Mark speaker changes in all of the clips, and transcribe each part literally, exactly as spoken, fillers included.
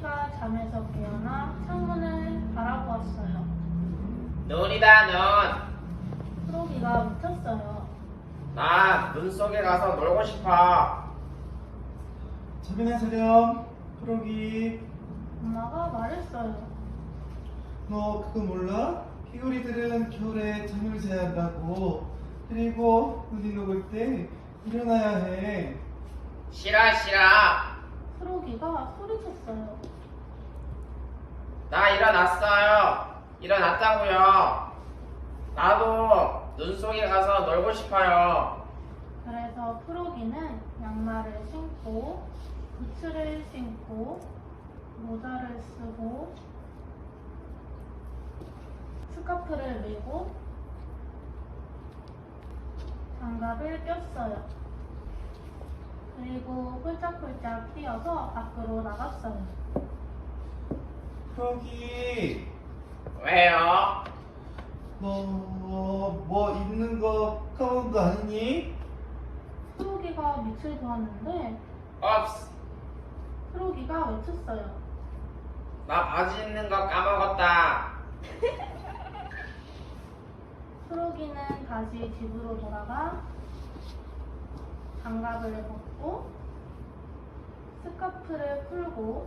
Speaker 1: 프로기가 잠에서 깨어나 창문을 바라보았어요.
Speaker 2: 눈이다 눈.
Speaker 1: 프로기가 미쳤어요.
Speaker 2: 나 눈 속에 가서 놀고 싶어.
Speaker 3: 자비나 사렴, 프로기.
Speaker 1: 엄마가 말했어요.
Speaker 3: 너 그거 몰라? 피구리들은 겨울에 잠을 자야 한다고. 그리고 눈이 녹을 때 일어나야 해.
Speaker 2: 싫어 싫어.
Speaker 1: 프로기가 소리쳤어요.
Speaker 2: 나 일어났어요. 일어났다고요. 나도 눈 속에 가서 놀고 싶어요.
Speaker 1: 그래서 프로기는 양말을 신고 부츠를 신고 모자를 쓰고 스카프를 메고 장갑을 꼈어요. 그리고 홀짝홀짝 뛰어서 밖으로 나갔어요.
Speaker 3: 프로기,
Speaker 2: 왜요?
Speaker 3: 너 뭐 입는 거 까먹은 거 아니니?
Speaker 1: 프로기가 밑을 보았는데
Speaker 2: 없스.
Speaker 1: 프로기가 외쳤어요.
Speaker 2: 나 바지 입는 거 까먹었다.
Speaker 1: 프로기는 다시 집으로 돌아가 장갑을 벗고 스카프를 풀고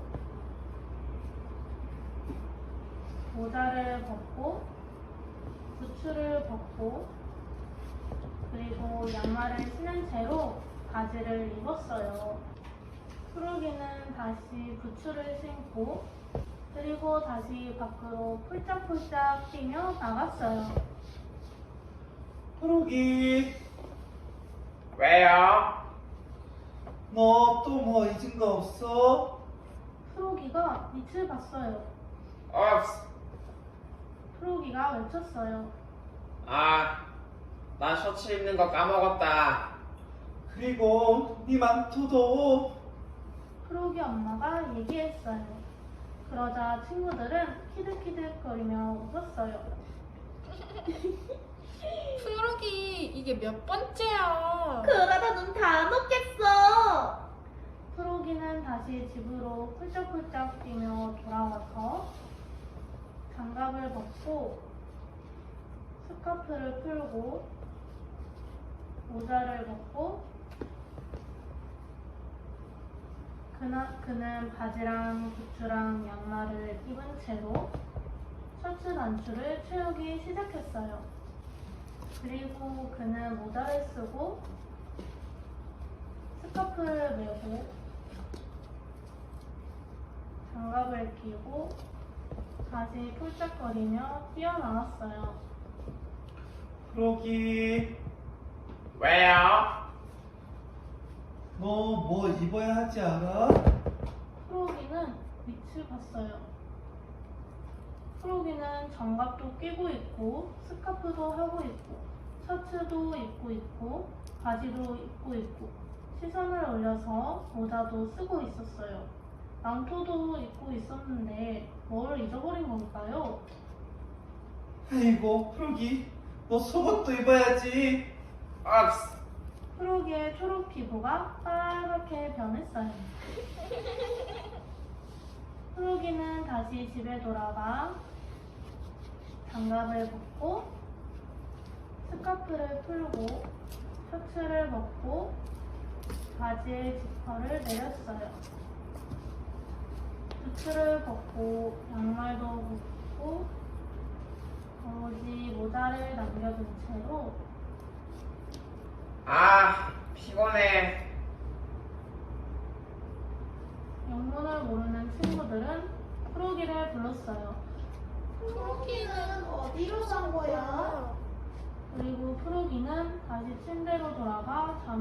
Speaker 1: 모자를 벗고 부츠를 벗고 그리고 양말을 신은 채로 바지를 입었어요. 프로기는 다시 부츠를 신고 그리고 다시 밖으로 폴짝폴짝 뛰며 나갔어요.
Speaker 3: 프로기,
Speaker 2: 왜요?
Speaker 3: 너 또 뭐 잊은 거 없어?
Speaker 1: 프로기가 밑을 봤어요.
Speaker 2: 없스.
Speaker 1: 프로기가 외쳤어요.
Speaker 2: 아, 나 셔츠 입는 거 까먹었다.
Speaker 3: 그리고 네 망토도.
Speaker 1: 프로기 엄마가 얘기했어요. 그러자 친구들은 키득키득거리며 웃었어요.
Speaker 4: 프로기 이게 몇 번째야?
Speaker 5: 그러다 눈 다 녹겠어.
Speaker 1: 프로기는 다시 집으로 훌쩍훌쩍 뛰며 돌아와서 장갑을 벗고 스카프를 풀고 모자를 벗고 그나, 그는 바지랑 부츠랑 양말을 입은 채로 셔츠 단추를 채우기 시작했어요. 그리고 그는 모자를 쓰고 스카프를 메고 장갑을 끼고 다시 폴짝거리며 뛰어나왔어요.
Speaker 3: 프로기,
Speaker 2: 왜요?
Speaker 3: 너 뭐 입어야 하지 않아?
Speaker 1: 프로기는 밑을 봤어요. 프로기는 장갑도 끼고 있고 스카프도 하고 있고 셔츠도 입고 있고 바지도 입고 있고 시선을 올려서 모자도 쓰고 있었어요. 망토도 입고 있었는데 뭘 잊어버린 걸까요?
Speaker 3: 아이고, 프로기, 너 속옷도 입어야지.
Speaker 2: 없스.
Speaker 1: 프로기의 초록 피부가 빨갛게 변했어요. 프로기는 다시 집에 돌아가 장갑을 벗고 스카프를 풀고 셔츠를 벗고 바지의 지퍼를 내렸어요. 부츠를 벗고 양말도 벗고 오로지 모자를 남겨둔 채로
Speaker 2: 아, 피곤해.
Speaker 1: 영문을 모르는 친구들은 프로기를 불렀어요.
Speaker 5: 프로기는 어디로 간 거야?
Speaker 1: 그리고 프로기는 다시 침대로 돌아가